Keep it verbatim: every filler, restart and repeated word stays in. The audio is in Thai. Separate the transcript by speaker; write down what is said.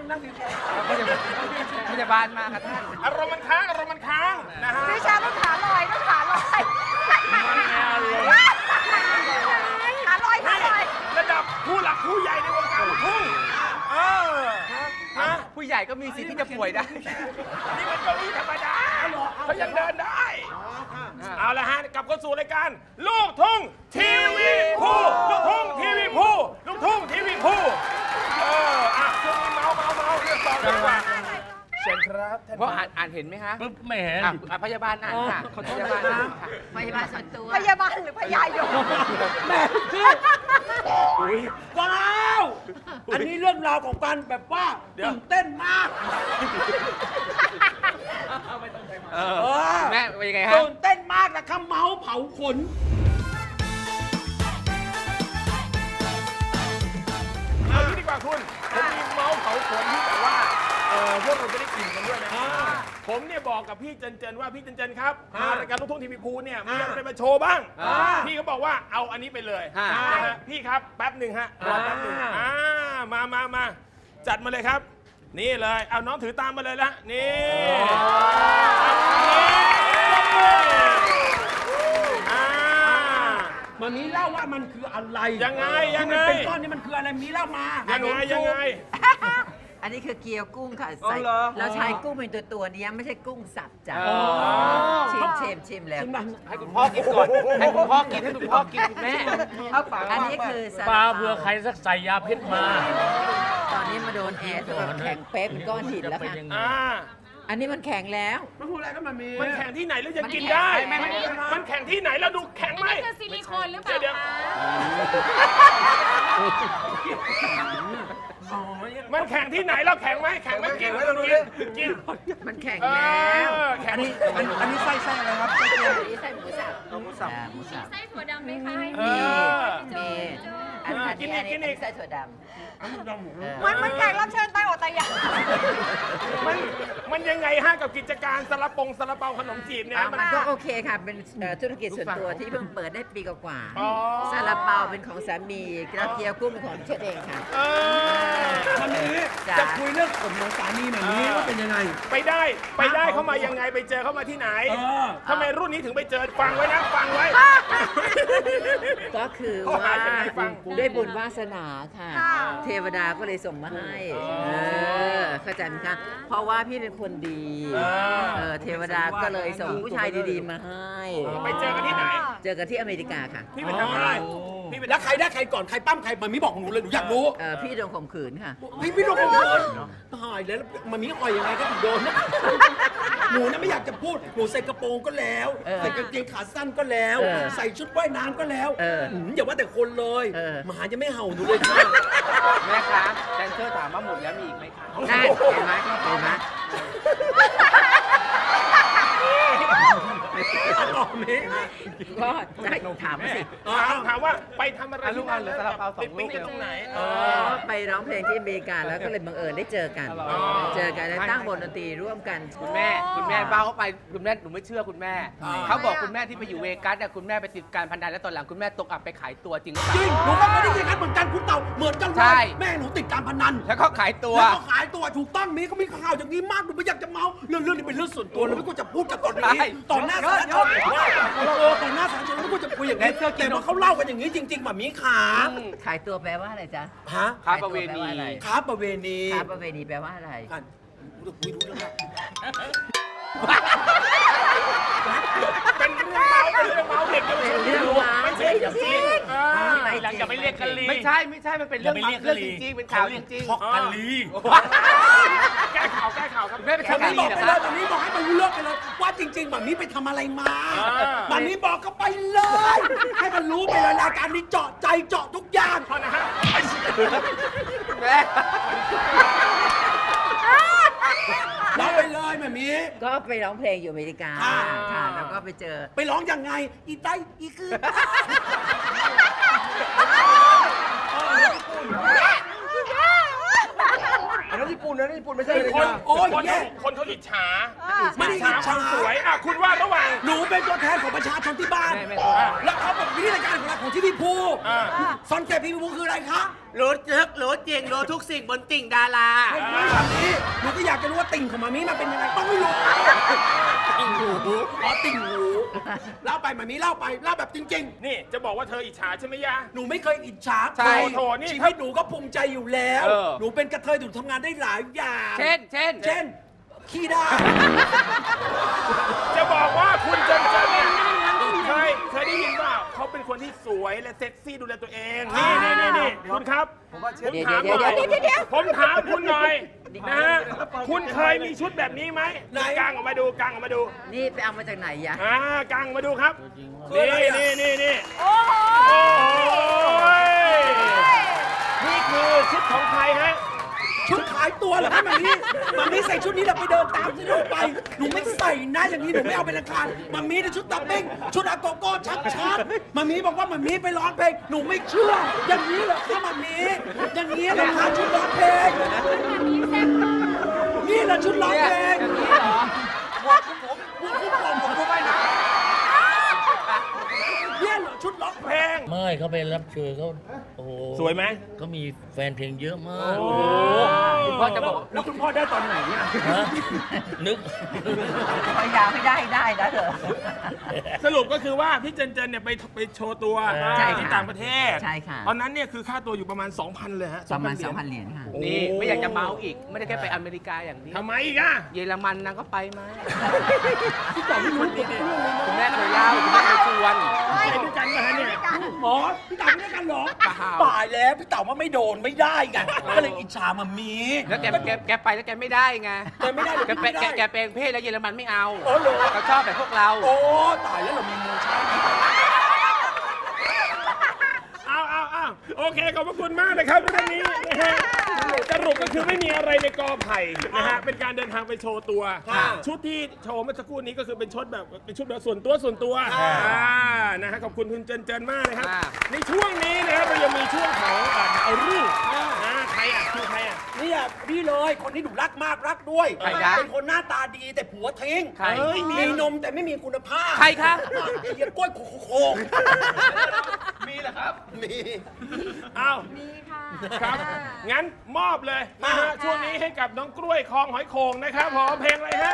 Speaker 1: นั่งดี
Speaker 2: พยาบาลมาครับท่าน
Speaker 3: อารมณ์มันค้างอารมณ์มันค้างนะฮะ
Speaker 4: พี่ชาต้องขาลอยต้องขาลอยขาลอยขาลอย
Speaker 3: ระดับผู้หลักผู้ใหญ่ในวงการลูกทุ่งเออฮะ
Speaker 2: ผู้ใหญ่ก็มีสิทธิ์ที่จะป่วยได้
Speaker 3: นี่มันเก้าอี้ธรรมดาเขายังเดินได้ เอาละฮะกลับเข้าสู่รายการลูกทุ่งทีวีพูลูกทุ่งทีวีพูลูกทุ่งทีวีพูเอออ่ะช่วงนี้เมาเมาเมาเรื่องต่อดีกว่าเชิญครับท่าน
Speaker 2: เพราะอ่านอ่านเห็นไหมคะ
Speaker 1: ปุ๊บไม่เห็น
Speaker 2: อ่ะอ่ะพยาบาลอ่านค่ะพยาบาลอ่านค่ะ
Speaker 4: พยาบาลส่วนตัวพยาบาลหรือพยายม
Speaker 1: แม่คือว้าวอันนี้เรื่องราวของการแบบว่าตื่นเต้นมาก
Speaker 2: เออ
Speaker 1: เออ
Speaker 2: แม่เป็นยังไงฮะ
Speaker 1: ตื่นเต้นมากนะครับเมาส์เผาขน
Speaker 3: เอางี้ดีกว่าคุณผมมีเมาส์เผาขนที่แบบว่าเออพวกเราจะได้กินกันด้วยนะผมเนี่ยบอกกับพี่เจนเจนว่าพี่เจนเจนครับมารายการลูกทุ่งทีวีพูเนี่ยมีอะไรมาโชว์บ้างพี่เขาบอกว่าเอาอันนี้ไปเลยนะฮะพี่ครับแป๊บหนึ่งฮะรอแป๊บหนึ่งอ่ามามามาจัดมาเลยครับ นี่เลยเอาน้องถือตามมาเลยละนี่อ่า
Speaker 1: มันมีเล่าว่ามันคืออะไร
Speaker 3: ยังไงยังไง
Speaker 1: ที่มันเป็นก้อนนี่มันคืออะไรมีเล่ามา
Speaker 3: ยังไงยังไง
Speaker 5: อันนี้คือเกี๊ยวกุ้งค่ะใส่
Speaker 2: อ๋อเหรอ
Speaker 5: เราใช้กุ้งเป็นตัวตัวๆนี้ไม่ใช่กุ้งสับจ้ะ
Speaker 2: อ๋อ
Speaker 5: ชิมชิมชิมแล้ว
Speaker 1: ชิมนะ
Speaker 2: ให้คุณพ่อกินก่อน ให้คุณพ่อกินให้คุณพ่อกินคุณแม่เข้าปาก
Speaker 5: อันนี้คือซา
Speaker 6: ปลา
Speaker 5: ลา
Speaker 6: เผื่อใครสักใส่ยาพิษมา
Speaker 5: ตอนนี้มาโดนแอร์จนแบบแข็งเป๊ะเป็นก้อนหินแล้ว
Speaker 6: เป็น
Speaker 5: ค่ะ
Speaker 6: ยังไง
Speaker 3: อ่า
Speaker 5: อันนี้มันแข็งแล้ว
Speaker 1: มันพูดอะไรก็มันมี
Speaker 3: มันแข่งที่ไหนแล้วจะกินได้ มันแข่งที่ไหนแล้วดูแข็งไหม
Speaker 7: นี่คือซิลิโคนหรือเปล่า
Speaker 3: เดี๋ยว
Speaker 7: คะ
Speaker 1: อ๋อ
Speaker 3: มันแข่งที่ไหนแล้วแข็งไหมแข็งไหมกินเราดูดิกิน
Speaker 5: มันแข็ง
Speaker 3: เอ
Speaker 5: แล้ว
Speaker 3: อแข็ง
Speaker 1: อันนี้อันนี้ไส้ไส้อะไรครับไส้เกี๊ยว
Speaker 5: อันนี้ใส่หมูสับหมูสับหมูสับ
Speaker 7: ไส้ถั่วดำไหมคะให้
Speaker 3: เอ
Speaker 5: มี
Speaker 3: อ
Speaker 5: มีอันอันนี้อันนี้อันนี้ใส่ถั่วดำเออ
Speaker 4: มันมันแขกรับเชิญใต้อดตายอยาก
Speaker 3: มันมันยังไงฮะกับกิจการซาลาปงซาลาเปาขนมจีบเนี่ยมัน
Speaker 5: มันก็โอเคค่ะ เป็นเอ่อธุรกิจส่วนตัวที่เพิ่งเปิดได้ปีกว่า
Speaker 3: อ๋อ
Speaker 5: ๆซาลาเปาเป็นของสามีแล้วเกี๊ยวกุ้งเป็นของเชฟเองค่ะ
Speaker 3: เออ
Speaker 1: วันนี้
Speaker 5: จ้ะ
Speaker 1: จะคุยเรื่องผมของสามีแบบนี้ว่าเป็นยังไง
Speaker 3: ไปได้ไปได้เข้ามายังไงไปเจอเข้ามาที่ไหน
Speaker 1: เออ
Speaker 3: ทำไมรุ่นนี้ถึงไปเจอฟังไว้นะฟังไว้
Speaker 5: ก็คือ
Speaker 3: เขา
Speaker 5: ว่า
Speaker 3: หายังไงฟัง
Speaker 5: ด้วยบุญวาสนาค่ะ เทวดาก็เลยส่งมาให้เออเข้าใจไหมคะเพราะว่าพี่เป็นคนดีเออเทวดาก็เลยส่งผู้ชายดีๆมาให้
Speaker 3: ไปเจอกันที่ไหน
Speaker 5: เจอกันที่อเมริกาค่ะ
Speaker 3: พี่ไปทำอะไรพี่ไป
Speaker 1: แล้วใครได้ใครก่อนใครปั้มใครมันมีบอกของหนูเลยหนูอยากรู้
Speaker 5: เออพี่โดนข่มขืนค่ะ
Speaker 1: พี่พี่โดนคนโดนตายแล้วมันมีอ่อยยังไงก็ถึงโดนนะหนูนะไม่อยากจะพูดหนูใส่กระโปรงก็แล้ว
Speaker 5: เออ
Speaker 1: ใส่กางเกงขาสั้นก็แล้ว
Speaker 5: เออ
Speaker 1: ใส่ชุดว่ายน้ำก็แล้ว
Speaker 5: เออ
Speaker 1: หืมอย่าว่าแต่คนเลย
Speaker 5: เออ
Speaker 1: หมาจะไม่เห่าหนูเลยค่ะ
Speaker 2: แม่ครับแดนเซอร์ถามว่าหมดแล้วมีอีกไหมคะ
Speaker 5: ได้เห็นไหมเห็นไหม
Speaker 1: ต่อเม
Speaker 5: ก็ได้ถามมาสิ
Speaker 3: ถามถามว่าไปทำอะไร
Speaker 2: อ่ะลูกอ่ะเหลือซาลาเปาสอง
Speaker 3: ไป
Speaker 2: ลูก
Speaker 3: ปิ๊กตรงไหนเอ
Speaker 5: ก็
Speaker 3: อ
Speaker 5: ไปร้องเพลงที่อเมริกาแล้วก็เลยบังเอิญได้เจอกัน
Speaker 2: อ๋อ
Speaker 5: เจอกันแล้วตั้งวงดนตรีร่วมกัน
Speaker 2: คุณแม่คุณแม่เบ้าเข้าไปคุณแม่หนูไม่เชื่อคุณแม่ เขาบอกคุณแม่ที่ไปอยู่เวกัสเนี่ยคุณแม่ไปติดการพนันแล้วตอนหลังคุณแม่ตกอับไปขายตัวจริงหรือเป
Speaker 1: จ
Speaker 2: ล่า
Speaker 1: ริงหนูก็ไม่ได้ยินกันเหมือนกันคุณเต่าเหมือนกันเล
Speaker 2: ใช่
Speaker 1: ยแม่หนูติดการพนัน
Speaker 2: แล้วก็ขายตัว
Speaker 1: แล้วก็ขายตัวถูกต้องมีก็มีข่าวอย่างนี้มากหนูไม่อยากจะเมาเรื่องเรื่องนี้เป็นเรื่องส่วนตัวเราไม่ควรจะพูดกันตอนนี้
Speaker 2: ใช่
Speaker 1: ต่อหน้าสาธารณชนเออต่อหน้าสาธารณชนเราไม่ควรจะคุยอย่างนี้แต่พอเขาเล่ากันอย่างนี้จริงๆแบบมีขา
Speaker 5: ขายตัวแปลว่าอะไรจ๊ะ
Speaker 1: ฮะ
Speaker 2: ค้าประเวณี
Speaker 5: ขายตัวแปลว่าอะไร
Speaker 1: ค้าประเวณี
Speaker 5: ค้าประเวณีแปลว่าอะไร
Speaker 1: กันคุยรู้เรื่อง
Speaker 3: เป็นเรื่องเมาเป็นเรื่องเมาเด็กเยาวชน
Speaker 5: เป็นเรื่องเมา
Speaker 3: ไม่ใช่เรื่องจริงเออ
Speaker 6: หลังจะไปเรียกกันลี
Speaker 2: ไม่ใช่ไม่ใช่มันเป็นเรื่อง
Speaker 6: อย่าไปเรียก
Speaker 2: เรื่อง
Speaker 6: กะลี
Speaker 2: จริงๆเป็นข่าวจริง
Speaker 1: ทอกกันลี
Speaker 3: แก้ข่าวแก้ข่าวครับ
Speaker 2: ๆแม่เป็น
Speaker 1: วั
Speaker 2: ข่าวน กะ
Speaker 1: นี้
Speaker 2: ลี
Speaker 1: บอก
Speaker 2: เหรอ
Speaker 1: ไป
Speaker 2: ค
Speaker 1: เล
Speaker 2: รับ
Speaker 1: ยวันนี้บอกให้มันรู้เรื่องไปเลยว่าจริงๆแบบนี้ไปทำอะไรมา
Speaker 3: อ่า
Speaker 1: แบบนี้บอกก็ไปเลย ให้มันรู้ไปเลยรายการนี้เจาะใจเจาะทุกอย่าง
Speaker 3: พอนะฮะ
Speaker 2: แม่
Speaker 1: เล่าไปเลยแบบนี้
Speaker 5: ก็ไปร้องเพลงอยู่อเมริกา
Speaker 1: อ่า
Speaker 5: ค่ะ แล้วก็ไปเจอ
Speaker 1: ไปร้องยังไง อีไตอีคือ
Speaker 2: อันนั้นญี่ปุ่นนะญี่ปุ่นไม่ใช่
Speaker 3: คือคน
Speaker 1: โอ้ย
Speaker 3: คน
Speaker 1: แย่
Speaker 3: คนเขาอิจฉา
Speaker 1: ไม่ได้
Speaker 3: อิจฉา
Speaker 1: อิจ
Speaker 3: ค
Speaker 1: ฉา
Speaker 3: วามสวยอ่ะคุณว่าระหว่าง
Speaker 1: หนูเป็นตัวแทนของประชาชนที่บ้าน
Speaker 2: แม่แม่ตัว
Speaker 1: แล้วเขาแบบวิธีรายการของเราของที่พี่ภู
Speaker 3: อ่า
Speaker 1: ซอนเซ็ปต์พี่ภูคืออะไรคะ
Speaker 2: รู้ลึกรู้จริงรู้ทุกสิ่งบนติ่งดารา
Speaker 1: ไอ้มาแบบนี้หนูก็อยากจะรู้ว่าติ่งของมามีมันเป็นยังไงต้องไม่รู้ติ่งหูอ๋อติ่งหูเล่าไปมามีเล่าไปเล่าแบบจริง
Speaker 3: นี่จะบอกว่าเธออิจฉาใช่ไหมยะ
Speaker 1: ๆ หนูไม่เคยอิจฉา
Speaker 3: ใช่
Speaker 1: ใคร
Speaker 3: โถนี่
Speaker 1: ชีวิตหนูก็ภูมิใจอยู่แล้ว
Speaker 3: เออ
Speaker 1: หนูเป็นกระเทยหนูทำงานได้หลายอย่าง
Speaker 2: เช่น เช่น
Speaker 1: เช่นขี้ได้
Speaker 3: จะบอกว่าคุณเจนเจนเนี่ยเคยเคยได้ยินว่าเขาเป็นคนที่สวยและเซ็กซี่ดูแลตัวเอง นี่นี่นี่นี่คุณครับผมถามหน่อยผมถามคุณหน่อยนะฮะคุณเคยมีชุดแบบนี้ไหม
Speaker 1: ไหน
Speaker 3: กางออกมาดูกางออกมาดู
Speaker 5: นี่ไปเอามาจากไหนยะ
Speaker 3: อ่ากางออกมาดูครับ
Speaker 1: คืออะไร
Speaker 3: นี่
Speaker 1: อะ
Speaker 3: นี่นี่นี่
Speaker 4: โอ้โห
Speaker 3: โอ้ยนี่คือชุดของใครฮะ
Speaker 1: ชุดขายตัวเหรอคะมามีมามีใส่ชุดนี้เราไปเดินตามที่เราไป หนูไม่ใส่นะอย่างนี้หนูไม่เอาเป็นราคามามีในชุดตับเบ้งชุดอาโกโก้ชัดชัดๆมามีบอกว่ามามีไปร้องเพลงหนูไม่เชื่อ อย่างนี้เหรอคะมามีอย่างนี้เหรอคะชุดร้องเพลงนี่แหละชุดร้องเพลง
Speaker 2: อย่างนี้เหรอ
Speaker 1: หมวกผมหมวกผมผมผมผมไปนะเนี่ยเหรอชุดร้องเพลง
Speaker 6: ไม่เขาไปรับเชิญเขาโอ้โห
Speaker 3: สวยไหม
Speaker 6: เขามีแฟนเพลงเยอะมาก
Speaker 3: โอ้
Speaker 2: คุณพ่อจะบอก
Speaker 1: แล้วคุณพ่อได้ตอนไหนเนี่ย
Speaker 6: ฮะนึก
Speaker 5: พยายามให้ได้ได้นะเถอะ
Speaker 3: สรุปก็คือว่าพี่เจนเจนเนี่ยไปไปโชว์ตัว
Speaker 5: ใช่ค่ะ
Speaker 3: ที่ต่างประเทศ
Speaker 5: ใช่ค่ะ
Speaker 3: ตอนนั้นเนี่ยคือค่าตัวอยู่ประมาณ สองพัน เลยฮะ
Speaker 5: ประมาณ
Speaker 3: เห
Speaker 5: ส
Speaker 3: ย
Speaker 5: อง
Speaker 3: ญ
Speaker 5: พันเหรียญค่ะ
Speaker 2: นี่ไม่อยากจะเมาอีก ไม่ได้แค่ไปอเมริกาอย่างนี้
Speaker 3: ทำไมอีกอ่ะ
Speaker 2: เยอรมันนางก็ไปมาคุณแม่เคยเล่าคุณแม่เคยชวน
Speaker 3: ไปด้วยกันมาฮะเนี่ย
Speaker 1: หมอพี่เต๋าไม่ได้กันเหรอ
Speaker 2: เปล่า
Speaker 1: ตายแล้วพี่เต๋าว่าไม่โดนไม่ได้ไงก็เลยอิจฉามามี
Speaker 2: แล้วแกแกแกไปแล้วแกไม่ได้ไง
Speaker 1: แกไม่ได้หรือ
Speaker 2: แก
Speaker 1: ไม่
Speaker 2: เป็น
Speaker 1: ได้
Speaker 2: แกแกเป็นเพศแล้วเยอรมันไม่เอา
Speaker 1: โอ้โห
Speaker 2: เขาชอบแบบพวกเรา
Speaker 1: โอ้ตายแล้วเรามีมือใช้
Speaker 3: เอาเอาเอาโอเค ขอบพระคุณมากนะครับเรื่องนี้นะฮะสรุปก็คือไม่มีอะไรในกอไผ่นะฮะ เป็นการเดินทางไปโชว์ตัว ชุดที่โชว์เมื่อสักครู่นี้ก็คือเป็นชุดแบบเป็นชุดแบบส่วนตัวส่วนตัวอ่านะฮะ ขอบคุณคุณเจนเจนมากนะครับ ในช่วงนี้นะครับเรายังมีช่วงของอ่าเอารูปนะใครอ่ะคือใครอ่ะ
Speaker 1: เนี่ยพี่เลยคนที่หนูรักมากรักด้วย
Speaker 2: ใครนะ
Speaker 1: เป็นคนหน้าตาดีแต่ผัวทิ้ง
Speaker 2: ใคร
Speaker 1: เอ้ยมีนมแต่ไม่มีคุณภาพ
Speaker 2: ใครคะ
Speaker 1: ไอ้เหี้ยกล้วยโคโค
Speaker 3: มีเหรอครับ
Speaker 1: มี
Speaker 3: อ้าว
Speaker 4: มีค่ะ
Speaker 3: ครับ งั้นมอบเลยนะฮะ ช่วงนี้ให้กับน้องกล้วยคลองหอยโข่งนะครับผมเพลงอะไรฮะ